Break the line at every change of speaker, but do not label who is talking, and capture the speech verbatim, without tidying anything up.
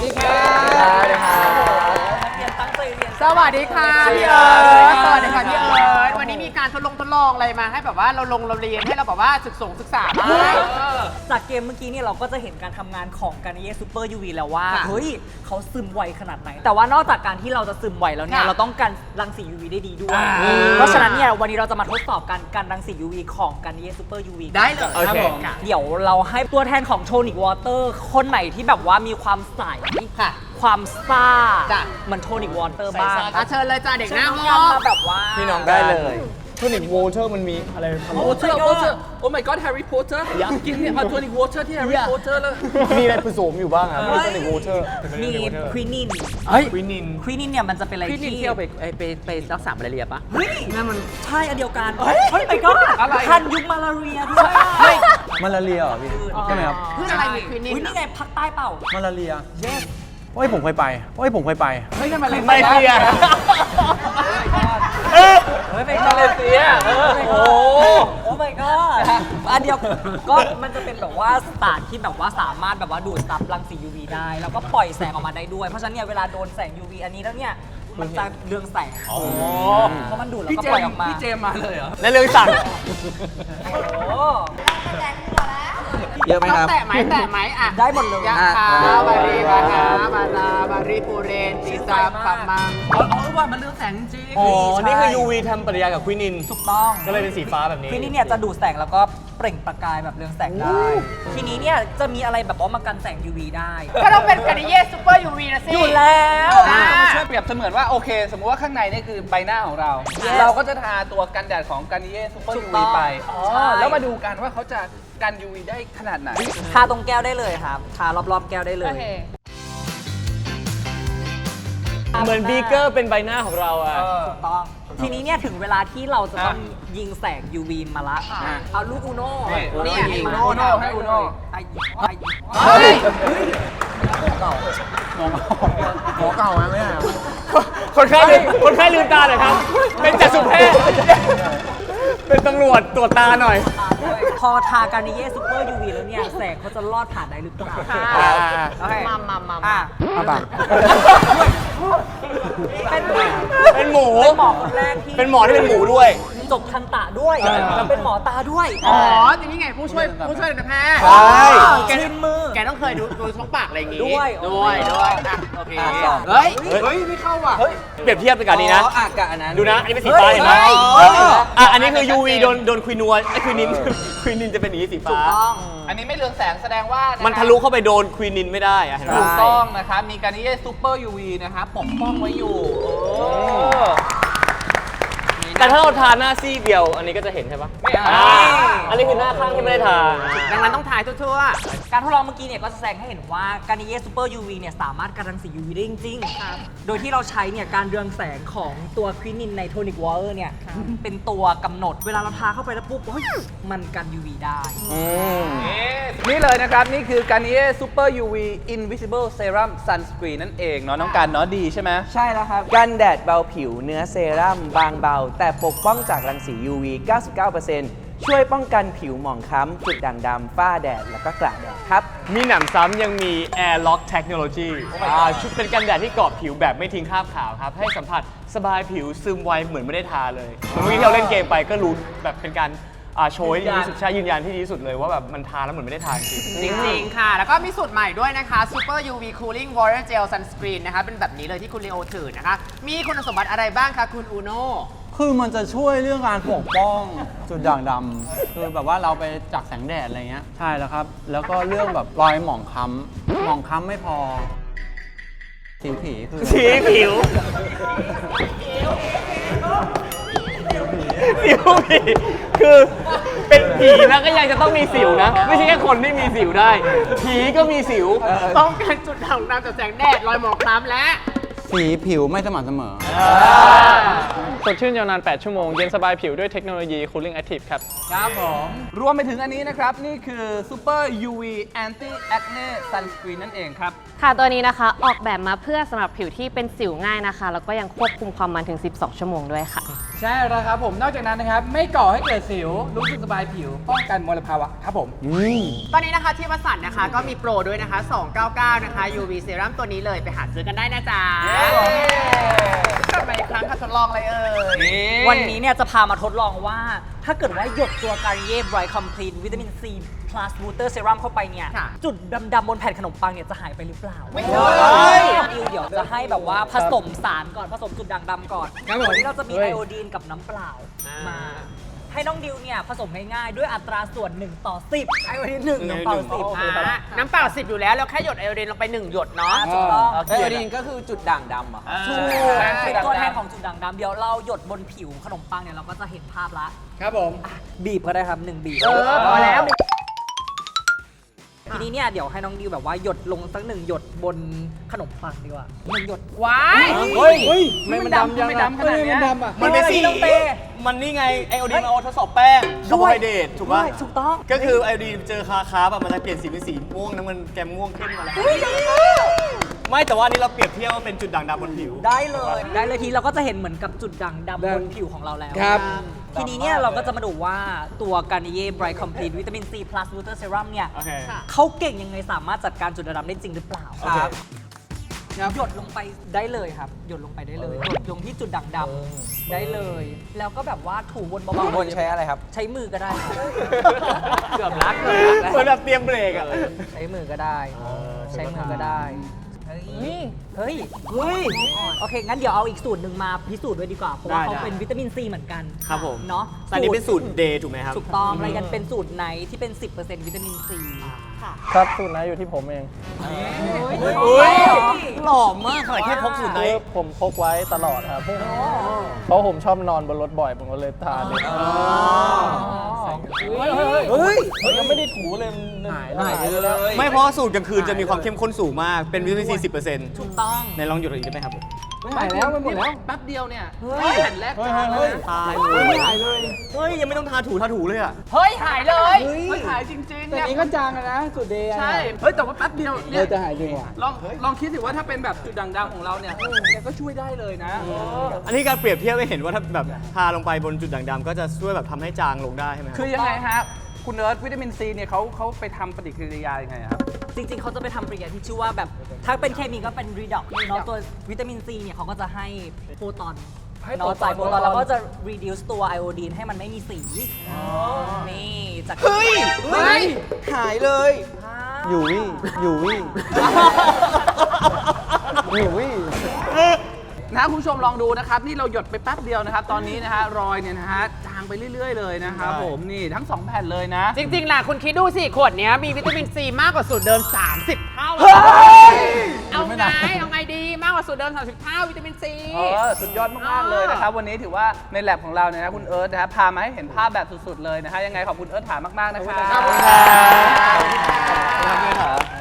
ดีครับสวัสดีครับ
เรียนตั้งใจเรียน
สวัสดีค่ะพี่เอิร์ธสวัสดีค่ะพี่เอิร์ธวันนี้มีการทดลองทดลองอะไรมาให้แบบว่าเราลงเราเรียนให้เราแบบว่าศึกษาศึกษาบ้าง
จากเกมเมื่อกี้เนี่ยเราก็จะเห็นการทำงานของการเย่ซูเปอร์ยูวีแล้วว่าเฮ้ยเขาซึมไวขนาดไหนแต่ว่านอกจากการที่เราจะซึมไวแล้วเนี่ยเราต้องกันรังสี ยู วี ได้ดีด้วยเพราะฉะนั้นเนี่ยวันนี้เราจะมาทดสอบการกันรังสี ยู วี ของการเย่ซูเปอร์ยูวี
ได้เลยครับผม
เดี๋ยวเราให้ตัวแทนของโทนิกวอเตอร์คนไหนที่แบบว่ามีความใสความซ่าเหมือนโทนิกวอเตอร์บ้าง
เชิญเลยจ้าเด็กหน้าห้อง
มาแบบว่า
พี่น้องได้เลยโทนิกวอเตอร์มันมีอะไรทำ
วอเตอร์วอเตอร์โอ้ my god แฮร์รี่พอตเตอร์อยากกินเนี่ยเอาโทนิกวอเตอร์ที่แฮร์รี่พอตเตอร์เลย
มีอะไรผสมอยู่บ้างอ่ะโทนิกวอเตอร์
มีควินิน
เฮ้ยควินิน
ควินินเนี่ยมันจะเป็นอะไร
ที่ที่เอาไปไปไปรักษามาลาเรียปะ
เฮ้ยนั่นมันใช่อันเดียวกันเฮ้ยไปก็คันยุคมาลาเรียด้วย
มาลาเรียเหรอพี่ใช่ไหมครับ
เพื่ออะไรมีควินิน
นี่ไงภาคใต้เปล่า
มาลาเรียโอ้ยผมเคยไปโอ้ยผมเคยไป
เฮ้ยทำไม
มาเลเซีย
เฮ้ยเป็นมาเลเซียโอ้โอ้ my god อันเดียวก็มันจะเป็นแบบว่าสตาร์ทที่แบบว่าสามารถแบบว่าดูดซับรังสี ยู วี ได้แล้วก็ปล่อยแสงออกมาได้ด้วยเพราะฉะนั้นเนี่ยเวลาโดนแสง ยู วี อันนี้แล้วเนี่ยมันจะเรืองแสงเพราะมันดูดแล้วก็ปล่อยออกมา
พี่เจมมาเลยเหรอ
และเรืองสั่ง
โอ้
เยอะไหมครับ
แตะไหมแตะไหมอ่ะ
ได้หมดเลย
ยะคาบารีบาคาบาราบารีปูเรนติซาปัมมัง
อ๋อว่ามันเรื่องแสงจริง
อ๋อนี่คือ ยู วี ทำปฏิกิริยากับควินิน
ถูกต้อง
ก็เลยเป็นสีฟ้าแบบนี้
ควินินเนี่ยจะดูดแสงแล้วก็เปล่งประกายแบบเรืองแสงได้ทีนี้เนี่ยจะมีอะไรแบบว่ามากันแสง ยู วี ได้
ก็ต้องเป็นการ์เย่ซูเปอร์ ยู วี นะสิ
อยู่แล้ว
ช่วยเปรียบเสมือนว่าโอเคสมมุติว่าข้างในนี่คือใบหน้าของเราเราก็จะทาตัวกันแดดของการเย่ซูเปอร์ ยู วี ไปแล้วมาดูกันว่าเขาจะกัน ยู วี ได้ขนาดไหน
ทาตรงแก้วได้เลยครับทารอบๆแก้วได้เลย
เหมือนบีเกอร์เป็นใบหน้าของเราอ่ะ
ถูกต้องทีนี้เนี่ยถึงเวลาที่เราจะต้องยิงแสง ยู วี มาละเอาลูกอูโน่
นี่ยิงอูโน่ให้อูโน่
ไอ้ไอ้
เฮ้ย
เก่าหมอหมอเก่าไหมเนี่ยคนไข้คนไข้ลืมตาหน่อยครับเป็นจักษุแพทย์เป็นตำรวจตรวจตาหน่อย
พอทาการนิเย่ซูเปอร์ ยู วี แล้วเนี่ยแสงเขาจะลอดผ่านได้หรือเปล่า
มามามา
อ่ะ
มาบัง
เป็น
เป็นหมู
เป็นหมอคนแรกที่
เป็นหมอที่เป็นหมูด้วย
จบทันตะด้วยแล้วเป็นหมอตาด้วย
อ๋อทีนี้ไงผู้ช่วยผู้ช่วยการแพทย์
ใช่
แก
ชิมมือ
แกต้องเคยดูดูช่องปากอะไรอย่างงี้
ด้วย
ด้วยด้วยโอเคเฮ้ยเฮ้ยไม่เข้าว่ะ
เปรียบเทียบกันนี้นะ
อากาศอันนั้น
ดูนะอันนี้เป็นสีฟ้าเห็นไหมอ่ะอันนี้คือ ยู วี โดนโดนควินัวไอ้ควินินควินินจะเป็นอย่างนี้สีฟ้า
อันนี้ไม่เรืองแสงแสดงว่า
มันทะลุเข้าไปโดนควินินไม่ได้อะเห็นไหม
ถูกต้องนะครับมีการนิเย่ซูเปอร์ ยู วี นะครับปกป้องไว้อยู่
แต่ถ้าเราทาหน้าซี่เดียวอันนี้ก็จะเห็นใช่ปะ
ไม่
อันนี้คือหน้าข้างที่ไม่ได้ทา
ดังนั้นต้องถ่ายทั่วๆ
การทดลองเมื่อกี้เนี่ยก็แสดงให้เห็นว่าการนิเย่ซูเปอร์ ยู วี เนี่ยสามารถกันรังสี ยู วี ได้จริงๆโดยที่เราใช้เนี่ยการเรืองแสงของตัวควินินในโทนิกวอเตอร์เนี่ยเป็นตัวกำหนดเวลาเราทาเข้าไปแล้วปุ๊บเฮ้ยมันกัน ยู วี ได้
นี่เลยนะครับนี่คือการนิเย่ซูเปอร์ ยู วี Invisible Serum Sunscreen นั่นเองเนาะน้องการเนาะดีใช่ไหม
ใช่แล้วครับกันแดดเบาผิวเนื้อเซรั่มบางเบาแต่ปกป้องจากรังสี ยู วี เก้าสิบเก้าเปอร์เซ็นต์ ช่วยป้องกันผิวหมองคล้ำจุดด่างดำฝ้าแดดแล้วก็กระแดดครับ
มีหนำซ้ำยังมี Air Lock Technology ชุดเป็นกันแดดที่เกาะผิวแบบไม่ทิ้งคราบขาวครับให้สัมผัสสบายผิวซึมไวเหมือนไม่ได้ทาเลยเมื่อกี้ที่เราเล่นเกมไปก็รู้แบบเป็นการโชว์ที่ดีที่สุดใช่ยืนยันที่ดีที่สุดเลยว่าแบบมันทาแล้วเหมือนไม่ได้ทาจริง
จริงๆค่ะแล้วก็มีสูตรใหม่ด้วยนะคะ Super ยู วี Cooling Water Gel Sunscreen นะคะเป็นแบบนี้เลยที่คุณเลโอถือนะคะมีคุณสมบัติอะไรบ้างคะคุณอูโน่
คือมันจะช่วยเรื่องการปกป้องจุดด่างดำคือแบบว่าเราไปจากแสงแดดอะไรเงี้ยใช่แล้วครับแล้วก็เรื่องแบบรอยหมองคล้ำหมองคล้ำไม่พอสิวผีคือ
สีผิวสิวผีคือเป็นผีแล้วก็ยังจะต้องมีสิวนะไม่ใช่แค่คนที่มีสิวได้ผีก็มีสิว
ต้องการจุดด่างดำจากแสงแดดรอยหมอกคล้ำและ
สีผิวไม่สม่ำเสมอ
สดชื่นยาวนาน แปด ชั่วโมง เย็นสบายผิวด้วยเทคโนโลยี Cooling Active ครับ
ครับผม รวมไปถึงอันนี้นะครับ นี่คือ Super ยู วี Anti Acne Sunscreen นั่นเองครับ
ค่ะตัวนี้นะคะออกแบบมาเพื่อสำหรับผิวที่เป็นสิวง่ายนะคะ แล้วก็ยังควบคุมความมันถึง สิบสอง ชั่วโมงด้วยค่ะ
ใช่แล้วครับผม นอกจากนั้นนะครับ ไม่ก่อให้เกิดสิว รู้สึกสบายผิว ป้องกันมลภาวะครับผม
ตอนนี้นะคะที่วัสันต์นะคะก็มีโปรด้วยนะคะ สองเก้าเก้า นะคะ ยู วี Serum ตัวนี้เลยไปหาซื้อกันได้นะจ๊ะกลับมาอีกครั้งค่ะทดลองอะไรเอ่ย
วันนี้เนี่ยจะพามาทดลองว่า ถ้าเกิดว่าหยดตัว Garnier Bright Complete วิตามิน C plus Booster Serum เข้าไปเนี่ย
ค่ะ
จุดดำๆบนแผ่นขนมปังเนี่ยจะหายไปหรือเปล่า
ไม่ใช่
ดิวเดี๋ยวจะให้แบบว่าผสมสารก่อนผสมจุดด่างดำก่อนวันนี้เราจะมีไอโอดีนกับน้ำเปล่ามา ให้น้องดิวเนี่ยผสมง่ายๆ ด้วยอัตราส่วนหนึ่งต่อสิบไอโอดีนหนึ่งน้ำเปล่าสิบ
อ่าน้ำเปล่าสิบอยู่แล้วเราแค่หยดไอโอดีนลงไปหนึ่งหยดเนาะ
ถูกต้อง
ไอโอดีนก็คือจุดด่างดำเหรอครับ
ถูกเป็นตัวแทนของจุดด่างดำเดี๋ยวเราหยดบนผิวขนมปังเนี่ยเราก็จะเห็นภาพละ
ครับผม
บีบก็ได้ครับหนึ่งบีบ
เออพอแล้ว
ทีนี้เนี่ยเดี๋ยวให้น้องดิวแบบว่าหยดลงสักหนึ่งหยดบนขนมปังดีกว่าหนึ่งหยด
ว้าย
เฮ้ย
ไม่มันดำยังไม่ดำขนาดเนี้ย
มันเป็นสี
น้องเต้
มันนี่ไงไอโอดีนมาเอาทดสอบแป้งคาร์โบไฮเดรตถูกป่ะ
ถูกต้อง
ก็คือไอโอดีนเจอคาคาแบบมันจะเปลี่ยนสีเป็นสีม่วงน้ำมันแกมม่วงขึ้นมาแล้วไม่แต่ว่าอันนี้เราเปรียบเทียบว่าเป็นจุดด่างดำบนผิว
ได้เลยได้เลยทีเราก็จะเห็นเหมือนกับจุดด่างดำบนผิวของเราแล้ว
ครับ
ทีนี้เนี่ยเราก็จะมาดูว่าตัว Garnier Bright Complete วิตามิน C plus Booster Serum เนี่ย
โอเค
เขาเก่งยังไงสามารถจัดการจุดด่างดำได้จริงหรือเปล่า
ครับ
หยดลงไปได้เลยครับ หยดลงไปได้เลยหยดลงที่จุดด่างดำได้เลย แล้วก็แบบว่าถูบนเบา
บางคนใช้อะไรครับ
ใช้มือก็ได้ครับ
เกือบรักเลย
เหมือนแบบเตรียมเบรกอ่ะ
ใช้มือก็ได้ ใช้มือก็ได้ เฮ้ย เฮ้ย เฮ้ย โอเค งั้นเดี๋ยวเอาอีกสูตรหนึ่งมาพิสูจน์ด้วยดีกว่า เพราะว่า
ได้
เขา
ได้
เป็นวิตามินซีเหมือนกัน
ครับผม
เนาะ
แต่อันนี้เป็นสูตรเดย์ถูกไหมครับ
ถูกต้องอะไรกันเป็นสูตรไหนที่เป็น สิบเปอร์เซ็นต์ วิตามินซี
ครับสูตรนะอยู่ที่ผมเอง
อุ้ยหล่อมากขนาดแค่พกสูตรไหน
คือผมพกไว้ตลอดครับ เพราะผมชอบนอนบนรถบ่อย ผมก็เลยทานเลย
เฮ้ย
ยังไม่ได้ถูเลยหายหายไปเลย
ไม่เพราะสูตรกลางคืนจะมีความเข้มข้นสูงมาก เป็นวิตามินซีสิบเปอร์เซ็นต์
ถูกต้อง
ในลองหยุดอีกได้ไหมครับ
หายแล้วมันหมดแล้ว แป๊บเดียวเนี่ยแผ่นแรกจางเลย
ตายเลยไม่หายเลย เฮ้ย ยังไม่ต้องทาถูทาถูเลยอ่ะ
เฮ้ย หายเลย
มันหายจริงๆ
แต่
เนี่ย
นี้ก็จางอะนะสุดเดย์อะ
ใช่ เฮ้ย แต่ว่าแป๊บเดียว
เอ
เนี่ย
อจะหายจริงว่ะ
ลองลองคิดสิว่าถ้าเป็นแบบจุดด่างดำของเราเนี่ยเนี่ยก็ช่วยได้เลยนะ
อันนี้การเปรียบเทียบให้เห็นว่าถ้าแบบทาลงไปบนจุดด่างดำก็จะช่วยแบบทำให้จางลงได้ใช่ไหมครับ
คือยังไงฮะ คุณเนิร์ดวิตามินซีเนี่ยเขาเขาไปทำปฏิกิริยายังไงครับ
จริงๆ เขาจะไปทำปฏิกิริยาที่ชื่อว่าแบบ ถ้าเป็นเคมีก็เป็น redox เนาะตัววิตามินซีเนี่ยเขาก็จะให้โปรตอน
ให้
เนาะ
โปรตอน
จ่ายโปรตอนแล้วก็จะ reduce ตัวไอโอดีนให้มันไม่มีสี นี่จาก
เฮ้ย เฮ้ย หายเลย
อยู่วี่อยู่วี่อยู่วี่
นะคุณผู้ชมลองดูนะครับ นี่เราหยดไปแป๊บเดียวนะครับ ตอนนี้นะฮะรอยเนี่ยนะฮะจางไปเรื่อย ๆ เลยนะครับผมนี่ทั้งสองแผ่นเลยนะ
จริงๆล่ะคุณคิดดูสิ ขวดเนี้ยมีวิตามินซีมากกว่าสูตรเดิม สามสิบ เท่า เอาไง เอาไงดีมากกว่าสูตรเดิม สามสิบ เท่าวิตามินซี
เออสุดยอดมาก ๆ เลยนะครับ วันนี้ถือว่าในแลบของเราเนี่ยนะคุณเอิร์ธนะครับพามาให้เห็นภาพแบบสุด ๆ เลยนะฮะยังไงขอบคุณเอิร์ธถามมาก ๆ นะครับ
ขอบคุณครับ